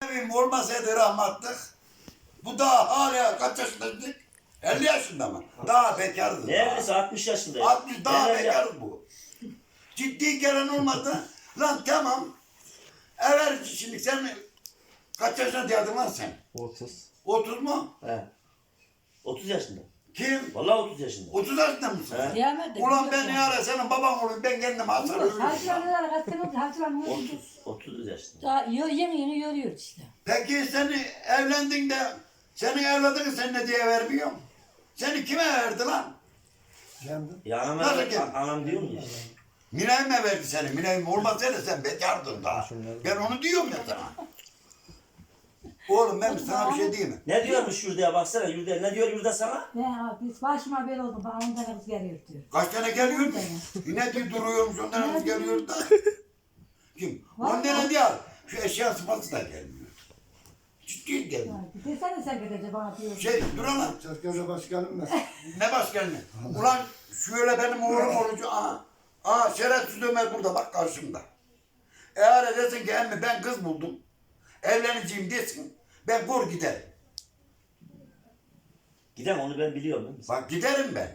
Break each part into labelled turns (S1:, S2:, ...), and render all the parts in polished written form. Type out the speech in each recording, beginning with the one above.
S1: Evim olmasaydı rahmatlık. Bu daha hala kaç yaşındaydık? 50 yaşında mı? Daha bekardı.
S2: Neredeyse 60 yaşındayım.
S1: 60 daha
S2: Neler yap-
S1: bekardı bu. Ciddi gelen olmadı. Lan tamam. Evet şimdi sen kaç yaşında diyordun lan sen?
S3: 30.
S1: 30 mu?
S2: He. 30 yaşında.
S1: Kim?
S2: Vallahi 30 yaşında.
S1: 30 yaşında mısın?
S2: He.
S4: Kıyamet de
S1: Ulan
S4: yok
S1: ben
S4: ya.
S1: ya senin baban olayım ben kendim hasar ölürüm.
S4: Hacılar kaç sene oldu? Hacılar ne oldu?
S2: 30 yaşında.
S4: Daha yeni yoruyor işte.
S1: Peki seni evlendin de senin evladını sen ne diye vermiyor? Seni kime verdi lan?
S3: Kendim.
S2: Ya anam,
S1: Nasıl ki?
S2: anam diyor mu ya?
S1: Minay mı verdi seni? Minay olmasaydı sen bekardın daha. Ben onu diyorum ya sana. Oğlum ben sana bir şey diyeyim mi?
S2: Ne diyormuş Yurda, baksana Yurda, ne diyor Yurda sana?
S4: Biz başıma böyle oldu. Bana 10 tane kız geliyor diyor.
S1: Kaç tane geliyor? Yine diyor duruyormuş ondan kız geliyor da. Kim? 10 tane değil. Şu eşya sıfatı da gelmiyor. Ciddi gelmiyor.
S4: Bir desene sen gidecek bana diyor.
S1: Dur lan.
S3: Çerkez'e başkanım ben.
S1: Ne başkanı? Ulan şöyle benim oğlum olucu. Şerefsiz Ömer burada bak karşımda. Eğer desin ki emmi ben kız buldum. Evleneceğim desin. Ben vur giderim.
S2: Gidem onu ben biliyorum. Değil mi?
S1: Bak giderim ben.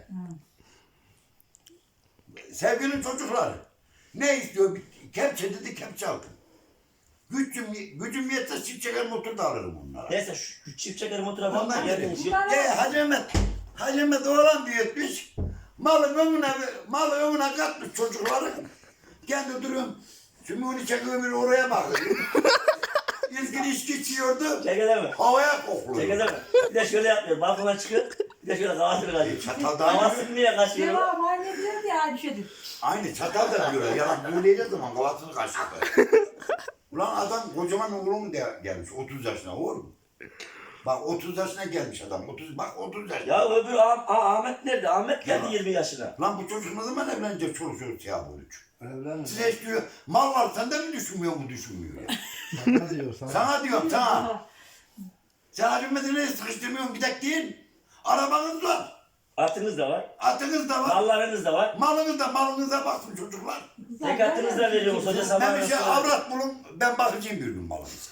S1: Sevgilinin çocukları. Ne istiyor? Kepçe dedi kepçe aldım. Gücüm yetse çift çeker motor da alırım onlara.
S2: Neyse şu çift çeker motora bak.
S1: Ondan
S2: Yerden
S1: geliyor.
S2: işi.
S1: Hacı Mehmet oğlan büyütmüş. Malı önüne katmış çocukları. Kendi duruyorum. Sümüğünü çekiyor bir oraya bakıyor. İlkin içki içiyordu.
S2: Çekede mi?
S1: Havaya kokluyor.
S2: Çekede mi? Bir de şöyle yapıyor. Balkona çıkıyor. Bir de şöyle kafasını kaçıyor.
S1: Çataldan
S2: Kafasını niye kaçıyor?
S4: Devam anne diyor ya aynı şeydir.
S1: aynı çatal da diyorlar. Yalan büyüleyeceğiz zaman kafasını kaşıdı. Ulan adam kocaman oğlum gelmiş 30 yaşına oğlum. Bak 30 yaşına gelmiş adam. 30 yaşına.
S2: Ya öbür Ahmet nerede? Ahmet geldi
S1: Ya.
S2: 20 yaşına.
S1: Lan bu çocuk ne zaman evlenecek çoluk çocuk ya bu üç.
S3: Evlenme.
S1: Size hiç diyor mal var sende mi düşünmüyor mu düşünmüyor ya.
S3: Sana diyor sana.
S1: Sana diyorum sana. Sen Hacı Mehmet'i sıkıştırmıyorsun bir tek değil. Arabanız var.
S2: Atınız da var.
S1: Atınız da var.
S2: Mallarınız da var.
S1: Malınıza baksın çocuklar.
S2: Zekatınız da veriyoruz hoca
S1: Ben
S2: sabah.
S1: bir şey avrat bulun ben bakacağım bir gün malınıza.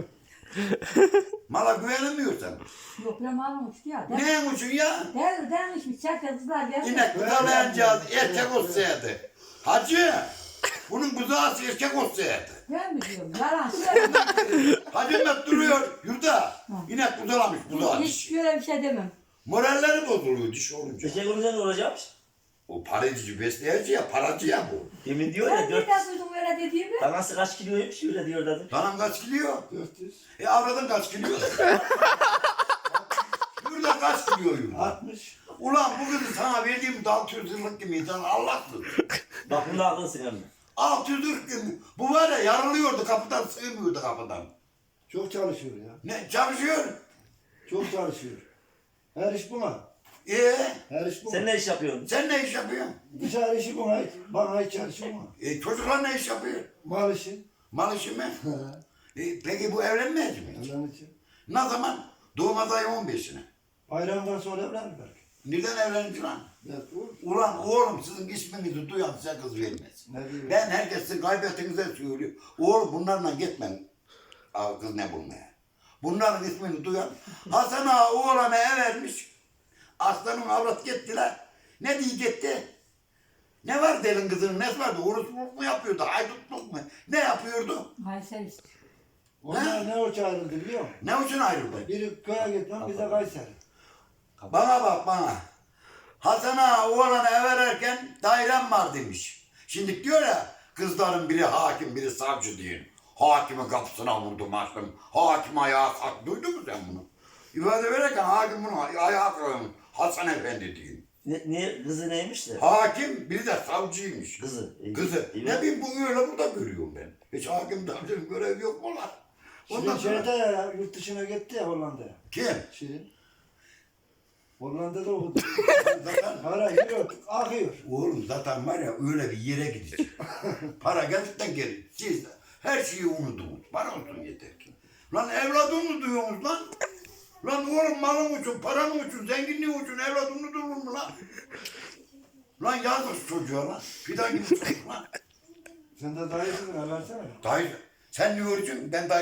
S1: Mala güvenemiyorsan.
S4: Yok ben malum uçtu ya.
S1: Ne için ya?
S4: Denmişmiş çerkez kızlar geldi.
S1: İnek buzalayacağız erkek olsaydı. Hacı. Bunun buzağısı erkek olsaydı.
S4: Ben mi diyorum? Yalan söyleme.
S1: Hacı Mehmet duruyor yurda. İnek buzalamış buzağı
S4: Hiç
S1: diş.
S4: böyle bir şey demem.
S1: Moralleri bozuluyor diş olunca.
S2: Erkek olunca ne olacakmış?
S1: O paracı besleyici ya paracı ya bu.
S2: Demin diyor
S4: Sen
S2: ya 4.
S4: nereden duydun böyle dediğimi?
S2: Danası kaç kiloymuş öyle diyor dedi.
S1: Danam kaç kilo?
S3: 400.
S1: Avradın kaç kilo? Yurda kaç kilo yurda?
S3: 60.
S1: Ulan bu kızı sana verdiğim 600 yıllık gibi insan Allah'tır.
S2: Bak bunda akıllısın emmi.
S1: 600 yıllık gibi. Bu var ya yarılıyordu kapıdan sığmıyordu kapıdan.
S3: Çok çalışıyor ya.
S1: Ne çalışıyor?
S3: Çok çalışıyor. Her iş buna. Her iş buna.
S2: Sen ne iş yapıyorsun?
S1: Sen ne iş yapıyorsun?
S3: Dışarı işi buna. Bana hiç çalışıyor mu?
S1: Çocuklar ne iş yapıyor?
S3: Mal işi.
S1: Mal işi mi? Peki bu evlenmeyecek mi?
S3: Evlen için.
S1: Ne zaman? Doğum adayı 15'ine.
S3: Bayramdan sonra evlenir belki.
S1: Neden evlenecek lan?
S3: Evet, olur.
S1: Ulan oğlum sizin isminizi duyan size kız vermez.
S3: Ne diyor?
S1: Ben herkesin kaybettiğinize söylüyor. Oğlum bunlarla gitmen. Aa, kız ne bulmaya. Bunların ismini duyan. Hasan ağa oğlana ev vermiş. Aslanın avrat gittiler. Ne diye gitti? Ne var delin kızının nesi vardı? Oruçluluk mu yapıyordu? Haydutluk mu? Ne yapıyordu?
S4: Kayseri işte.
S3: Onlar ne o çağrıldı biliyor musun?
S1: Ne için ayrıldı?
S3: Biri köye gitmem, bize Kayseri.
S1: Bana bak bana. Hasan ağa oğlana ev vererken dairem var demiş. Şimdi diyor ya kızların biri hakim biri savcı diyor. Hakimin kapısına vurdum açtım. Hakim ayağa kalktı. Duydun mu sen bunu? İfade verirken hakim bunu ayağa kalkmış. Hasan Efendi diyor.
S2: Ne kızı neymiş de?
S1: Hakim biri de savcıymış.
S2: Kızı.
S1: Kızı.
S2: Evet.
S1: Ne bileyim bu öyle burada görüyorum ben. Hiç hakim savcının görevi yok mu lan? Ondan
S3: Şirin
S1: sonra...
S3: şeyde ya, yurt dışına gitti ya Hollanda'ya.
S1: Kim?
S3: Şirin. Hollanda'da okudu.
S1: Zaten,
S3: Para yiyor, akıyor.
S1: oğlum zaten var ya öyle bir yere gidecek. Para geldikten geri. Siz de her şeyi unuttunuz. Para olsun yeter ki. Lan evladını duyuyorsunuz lan. Lan oğlum malın için, paranın için, zenginliğin için evladını durur mu lan? Lan yazık çocuğa lan. Fidan gibi çocuk lan.
S3: Sen de dayısın, versene.
S1: Dayı sen ne göreceksin? Ben dayı